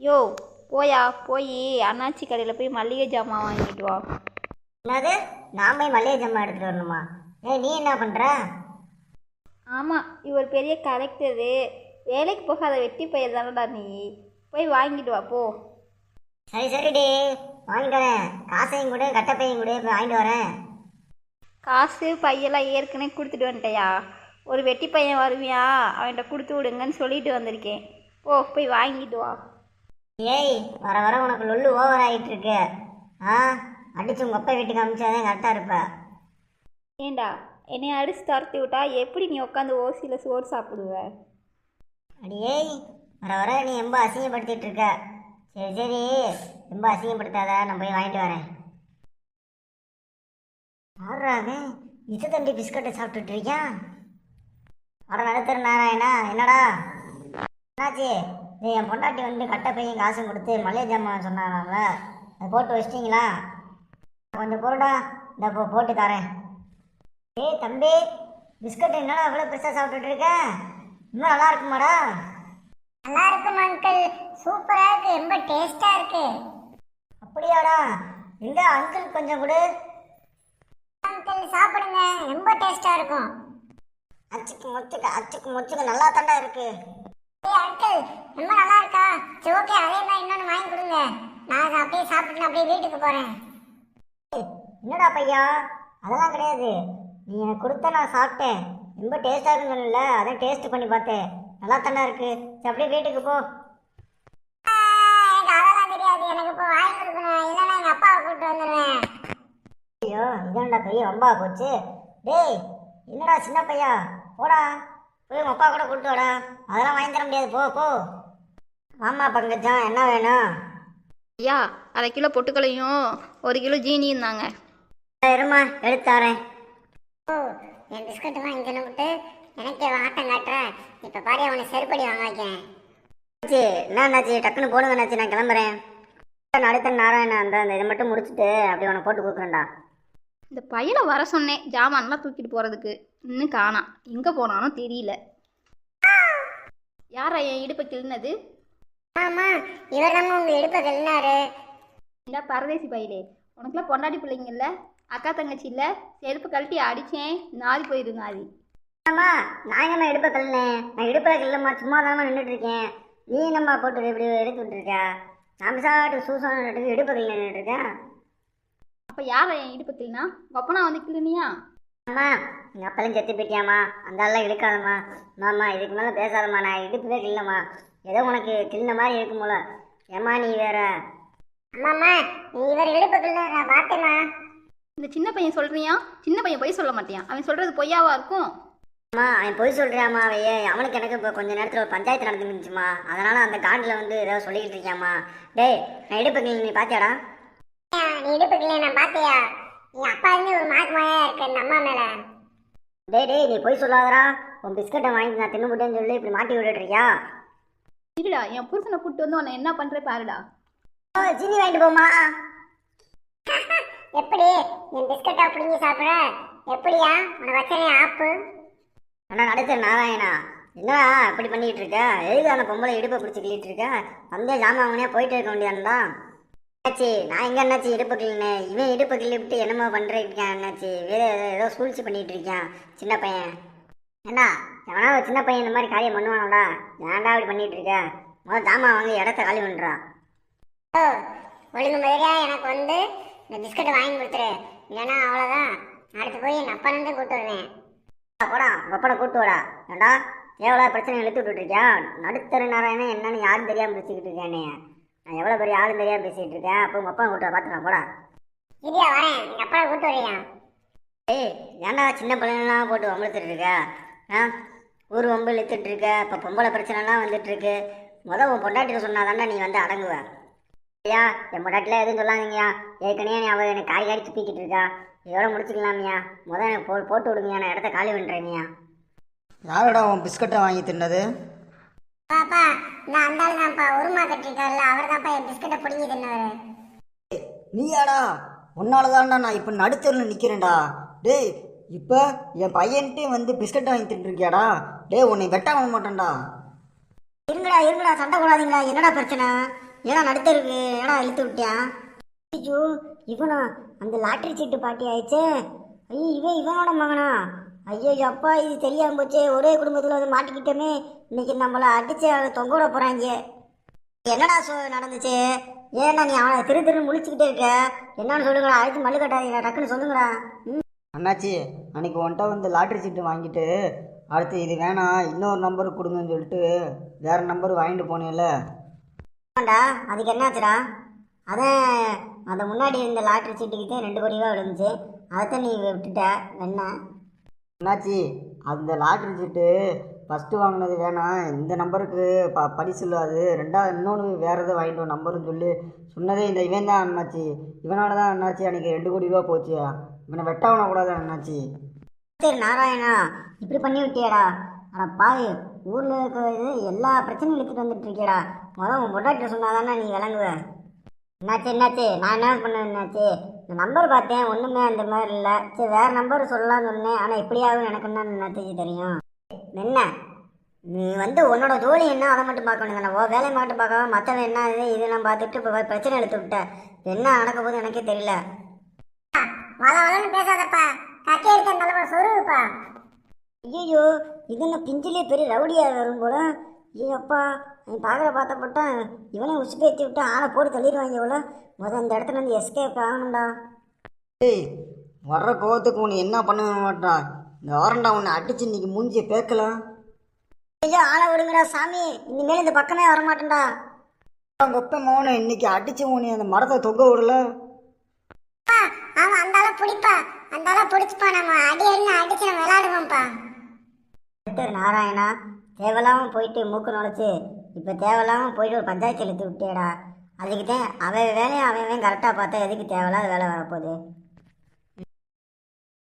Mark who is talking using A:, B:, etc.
A: யோ போயா போய் அண்ணாச்சி கடையில் போய் மல்லிகை ஜாமான் வாங்கிட்டு வா.
B: என்னது? நான் போய் மல்லிகை ஜாமான் எடுத்துகிட்டு வரணுமா? நீ என்ன பண்ணுற?
A: ஆமாம், இவர் பெரிய கலெக்டரு, வேலைக்கு போகாத வெட்டி பையன் தானடா நீ. போய் வாங்கிட்டு வா போ.
B: சரி சரிடி, வாங்கிட்டு வரேன். காசையும் கூட கட்டப்பையும் கூட போய் வாங்கிட்டு வரேன்.
A: காசு பையெல்லாம் ஏற்கனவே கொடுத்துட்டு வந்துட்டையா? ஒரு வெட்டி பையன் வருவியா, அவன்கிட்ட கொடுத்து விடுங்கன்னு சொல்லிட்டு வந்திருக்கேன். போய் வாங்கிட்டு வா.
B: ஏய், வர வர உனக்கு லொல்லு ஓவர் ஆகிட்டு இருக்கு. அடிச்சு உங்கள் அப்பா வீட்டுக்கு அனுப்பிச்சாதான் கரெக்டாக இருப்ப.
A: ஏண்டா என்னை அடிச்சு துரத்தி விட்டா எப்படி நீ உட்காந்து ஓசியில் சோறு சாப்பிடுவ?
B: அடியேய், வர வர நீ ரொம்ப அசிங்கப்படுத்திட்டு இருக்க. சரி சரி, ரொம்ப அசிங்கப்படுத்தாத, நான் போய் வாங்கிட்டு வரேன். ஆடுறாங்க இது தண்டி பிஸ்கட்டை சாப்பிட்டுட்டு இருக்கியான். வர நடத்துற நாராயணா, என்னடா என்னாச்சு? நீ என் பொண்டாட்டி வந்து கட்டை பையன் காசும் கொடுத்து மளிகை ஜாமான் சொன்னாங்கல்ல, அதை போட்டு வச்சிட்டிங்களா? கொஞ்சம் பொருடா, இந்த போட்டு தரேன். ஏய் தம்பி, பிஸ்கட் என்னடா அவ்வளோ பெருசாக சாப்பிட்டுட்டு இருக்க? இன்னும் நல்லா இருக்குமாடா?
C: நல்லா இருக்கும் அங்கிள், சூப்பராக இருக்கு, ரொம்ப டேஸ்டா இருக்கு.
B: அப்படியாடா? எங்க அங்கிள் கொஞ்சம் கொடு.
C: அங்கிள் சாப்பிடுங்க, ரொம்ப டேஸ்டா இருக்கும்.
B: அச்சுக்கு முச்சுக்கு நல்லா தாண்டா இருக்கு.
C: அங்கிள் ரொம்ப நல்லா இருக்கா? சரி ஓகே, அதே மாதிரி இன்னொன்று வாங்கி கொடுங்க. நான் அப்படியே சாப்பிட்டு அப்படியே வீட்டுக்கு போறேன்.
B: என்னடா பையா, அதெல்லாம் கிடையாது. நீ எனக்கு கொடுத்த நான் சாப்பிட்டேன், ரொம்ப டேஸ்டா இருக்குன்னு, அதான் டேஸ்ட் பண்ணி பார்த்தேன், நல்லா தாண்டா இருக்கு. சரி அப்படியே வீட்டுக்கு போ.
C: எனக்கு அதெல்லாம் தெரியாது, எனக்கு இப்போ வாங்கி கொடுக்கணும், இல்லைன்னா எங்க அப்பாவை கூப்பிட்டு வந்துடுவேன்.
B: ஐயோ, இதான்டா பெரிய வம்பா போச்சு. டேய் என்னடா சின்ன பையா, போடா போய் உங்க அப்பா கூட கூப்பிட்டு வாடா. அதெல்லாம் வாங்கி தர முடியாது, போ. ஆமா பங்கஜம், என்ன வேணும்?
A: ஐயா, 1/2 கிலோ பொட்டுக்களையும் 1 கிலோ ஜீனியும் தாங்க.
B: இருமா எடுத்து தரேன்.
C: ஓ, என் பிஸ்கட் வாங்கி தின்னுபிட்டு எனக்கே ஆட்டம் காட்டுற. இப்போ பாரு, அவனை செருப்படி வாங்க வைக்கிறேன்.
B: என்னாச்சு? டக்குன்னு போடுங்க என்னாச்சு, நான் கிளம்புறேன். அடுத்த நாராயணன் அந்த இதை மட்டும் முடிச்சுட்டு அப்படி உனக்கு போட்டு கொடுக்குறேன்டா.
A: இந்த பையனை வர சொன்னேன் ஜாமான்லாம் தூக்கிட்டு போகிறதுக்கு, இன்னும் காணாம். எங்கே போனாலும் தெரியல. யாரா என் இடுப்பை கிள்னது?
C: ஆமா, இவர் தான் உங்க இடுப்பை கிள்னாரு.
A: இந்த பரதேசி பையலே, உனக்குலாம் பொண்டாட்டி பிள்ளைங்க இல்லை, அக்கா தங்கச்சி இல்லை, செருப்பு கழட்டி அடித்தேன், நாதி போயிரு நாதி.
B: ஆமா, நான் எங்கம்மா இடுப்பை கழுனேன்? நான் இடுப்பில் கிள்ளம்மா, சும்மா தானே நின்றுட்டு இருக்கேன். நீ என்னம்மா போட்டு இப்படி எடுத்து விட்டுருக்க? நான் சாப்பிட்டு சூசான இடுப்பை கல் நின்றுட்டு இருக்கேன்.
A: அப்போ யாரா என் இடுப்பை கிள்னா? ஒப்பனா வந்து கிள்னியா?
B: அம்மா, எங்கள் அப்பெல்லாம் செத்து போயிட்டியாம்மா, அந்த ஆள்லாம் இழுக்காதம்மா. மாமா இதுக்கு மேலே பேசாதம்மா, நான் இடுப்புவே கிள்ளம்மா, ஏதோ உனக்கு கிள்ன மாதிரி இருக்கும் போல. ஏம்மா நீ வேற?
C: அம்மாம்மா, இவர் இடுப்பை கிள்ள நான் பார்த்தேம்மா.
A: இந்த சின்ன பையன் சொல்கிறியா? சின்ன பையன் பொய் சொல்ல மாட்டியான், அவன் சொல்கிறது பொய்யாவா இருக்கும்?
B: அம்மா அவன் பொய் சொல்கிறியாம்மா? அவையே அவனுக்கு எனக்கு இப்போ கொஞ்சம் நேரத்தில் ஒரு பஞ்சாயத்து நடந்துருந்துச்சுமா, அதனால் அந்த காண்டில் வந்து ஏதோ சொல்லிக்கிட்டு இருக்கியாம்மா. டேய், நான் இடுப்பு கிள்ள நீ பார்த்தியாடா?
C: நீ இடுப்பை கிள்ள நான் பார்த்தியா? என் அப்பா இருந்து ஒரு மார்க் மாயா இருக்கு அந்த அம்மா மேல.
B: டேய் நீ பொய் சொல்லாதடா. உன் பிஸ்கட்டை வாங்கி நான் தின்னுபிட்டேன்னு சொல்லி இப்படி மாட்டி விட்டுறியா?
A: இருடா, என் புருஷனை கூப்பிட்டு வந்து உன்னை என்ன பண்ணுற பாருடா.
B: சீனி வாங்கிட்டு போமா.
C: எப்படி என் பிஸ்கட்டை பிடிங்கி சாப்பிட்ற? எப்படியா உன வச்சனே ஆப்பு?
B: அண்ணா அடுத்த நாராயணா, என்னடா இப்படி பண்ணிட்டு இருக்க? எதுக்கு அந்த பொம்பளை இடுப்பை பிடிச்சி கிள்ளிட்டு இருக்க? வந்தே ஜாமான் வாங்கினே போயிட்டு இருக்க வேண்டியாண்டா. என்னாச்சு? நான் எங்க என்னாச்சு இடுப்பை கிள்ளினேன்? இவன் இடுப்பை கிள்ளி விட்டு என்னமோ பண்ணிருக்கான். என்னாச்சு? வேற ஏதோ சூழ்ச்சி பண்ணிட்டு இருக்கான் சின்ன பையன். ஏண்டா எவனா ஒரு சின்ன பையன் இந்த மாதிரி காரியம் பண்ணுவானோடா? ஏன்டா அப்படி பண்ணிட்டு இருக்க? முதல்ல ஜாமான் வாங்கி இடத்த காலி பண்ணுறா.
C: ஓ, ஒழுங்கு மாதிரியா எனக்கு வந்து இந்த பிஸ்கட்டை வாங்கி கொடுத்துரு, இல்லைன்னா அவ்வளோதான். அடுத்து போய் என் அப்பா இருந்து கூப்பிட்டு வருவேன்.
B: போடா ஒப்பனை கூட்டு வாடா. ஏண்டா எவ்வளோ பிரச்சனை இழுத்து விட்டுட்டு இருக்கியா? நடுத்தர நாராயணன் என்னன்னு யாரும் தெரியாமல் பேசிக்கிட்டு இருக்கானே. நான் எவ்வளோ பெரிய ஆளும் தெரியாமல் பேசிகிட்டு இருக்கேன். அப்போ உங்கள் அப்பா கூட்டு பார்த்துக்கலாம் போடா.
C: இல்லையா வரேன், எங்கள் அப்பா கூப்பிட்டு வரையா.
B: ஏய் ஏன்டா சின்ன பிள்ளைங்களாம் போட்டு வம்பளுத்துட்டு இருக்க? ஊர் வம்பு இழுத்துட்டு இருக்க. இப்போ பொம்பளை பிரச்சனைலாம் வந்துட்டு இருக்கு. உன் பொண்டாட்டிட்டு சொன்னாதாண்டா நீ வந்து அடங்குவ. ஐயா என் பொண்டாட்டிலாம் எதுவும் சொல்லாதீங்கயா. ஏற்கனவே நீ அவள் எனக்கு காரி துப்பிக்கிட்டு இருக்கா. இதோட முடிச்சுக்கலாமியா. எனக்கு போட்டு விடுங்கயா, நான் இடத்த காலி பண்ணுறேங்கய்யா.
D: யாரோட உன் பிஸ்கட்டை வாங்கி தின்னது?
C: பாப்பா, நான் அந்த ஆள் தான்ப்பா, உருமா கட்டிருக்காருல்ல, அவர் தான்ப்பா என் பிஸ்கட்டை பிடிங்கி தின்னவர்.
D: நீயாடா? உன்னால தான்டா நான் இப்போ நடுத்தரில் நிற்கிறேன்டா. டேய், இப்போ என் பையன்ட்டே வந்து பிஸ்கட்டை வாங்கி தின்னுருக்கியாடா? டேய், உன்னை வெட்ட வாங்க மாட்டேன்டா.
B: இருங்கடா சண்டை போடாதீங்களா. என்னடா பிரச்சனை? ஏன்னா நடுத்தருக்கு ஏன்னா இழுத்து விட்டியான்? ஐயோ இவனா அந்த லாட்டரி சீட்டு பாட்டி ஆயிடுச்சே. ஐயோ இவனோட மகனா? ஐயோ அப்பா இது தெரியாம போச்சே. ஒரே குடும்பத்தில் வந்து மாட்டிக்கிட்டோமே. இன்னைக்கு நம்மளை அடிச்சு அவனை தொங்க விட போறாங்க. என்னடா நடந்துச்சு? ஏன்னா நீ அவனை திரு முழிச்சுக்கிட்டே இருக்க? என்னன்னு சொல்லுங்களா? அழைச்சி மல்லு கட்டாதீங்களா, டக்குன்னு சொல்லுங்களா.
D: அண்ணாச்சி அன்னைக்கு ஒன்ட்டா வந்து லாட்ரி சீட்டு வாங்கிட்டு அடுத்து இது வேணாம் இன்னொரு நம்பர் கொடுங்கன்னு சொல்லிட்டு வேற நம்பர் வாங்கிட்டு போனேன்ல.
B: ஆமாண்டா, அதுக்கு என்னாச்சுடா? அதான் அந்த முன்னாடி இருந்த லாட்ரி சீட்டுக்கிட்டே 2 கோடி ரூபா விழுந்துச்சு. அதைத்தான் நீ விட்டுட்ட என்ன?
D: அண்ணாச்சி அந்த லாட்ரி சீட்டு ஃபஸ்ட்டு வாங்கினது வேணாம், இந்த நம்பருக்கு பரிசு அது ரெண்டாவது இன்னொன்று வேறு எதாவது வாங்கிட்டு வா நம்பருன்னு சொல்லி சொன்னதே இந்த இவன் தான் அண்ணாச்சி. இவனால தான் அண்ணாச்சி அன்றைக்கி 2 கோடி ரூபா போச்சு. இவனை வெட்டவன கூடாது அண்ணாச்சி.
B: சரி நாராயணா, இப்படி பண்ணி விட்டியாடா? ஆனால் பாய் ஊரில் இருக்கிறது எல்லா பிரச்சனையும் எடுத்துகிட்டு வந்துட்டு இருக்கியடா. உன் பொண்டாட்டிட்ட சொன்னாதானே நீ விளங்குவ. என்னாச்சு நான் என்ன பண்ணேன்? என்னாச்சு? இந்த நம்பர் பார்த்தேன், ஒன்றுமே அந்த மாதிரி இல்லை. சரி வேறு நம்பர் சொல்லலாம்னு சொன்னேன். ஆனால் எப்படியாவது எனக்கு என்ன என்னாச்சு தெரியும். என்ன நீ வந்து உன்னோட ஜோலி என்ன அதை மட்டும் பார்க்க வேண்டியதானே? ஓ வேலையை மட்டும் பார்க்காம மற்றவன் என்ன இதெல்லாம் பார்த்துட்டு இப்போ பிரச்சனை எடுத்து விட்ட. என்ன நடக்க போகுது எனக்கே தெரியல.
C: வளவளன்னு பேசாதப்பா, கட்டி எடுத்த நல்ல சொருவுப்பா.
B: ஐயோ இது என்ன பிஞ்சிலே பெரிய ரவுடியாக வரும் போல. ஐயோப்பா நீ பார்த்தப்பட்டா இவனே உசுப்பி ஏற்றி விட்டா ஆளை போட்டு தள்ளிடுவாங்க இவ்வளோ. இந்த இடத்துல இருந்து எஸ்கேப் ஆகணும்டா.
D: ஏய் வர்ற கோவத்துக்கு உன்னை என்ன பண்ண மாட்டான் இந்த வாரண்டா. உன்னை அடிச்சு இன்னைக்கு மூஞ்சியை பேக்கலாம்.
B: ஐயோ ஆளை விடுங்கடா சாமி, இனிமேல் இந்த பக்கமே வரமாட்டேன்டா.
D: கொப்பை மோனை இன்னைக்கு அடிச்சு உன்னை அந்த மரத்தை தொங்க விடல.
C: அவன் அந்த ஆளை பிடிப்பா, அந்த ஆளை பிடிச்சிப்பா. நம்ம அடி அடிச்சு நம்ம விளையாடுவோம்ப்பா.
B: நாராயணா, தேவையில்லாமல் போயிட்டு மூக்கு நுழைச்சு இப்போ தேவையில்லாமல் போயிட்டு ஒரு பஞ்சாயத்து எழுத்து விட்டேடா. அதுக்கு தான் அவன் வேலையை அவன் கரெக்டாக பார்த்தா எதுக்கு தேவையில்லாத வேலை வரப்போகுது.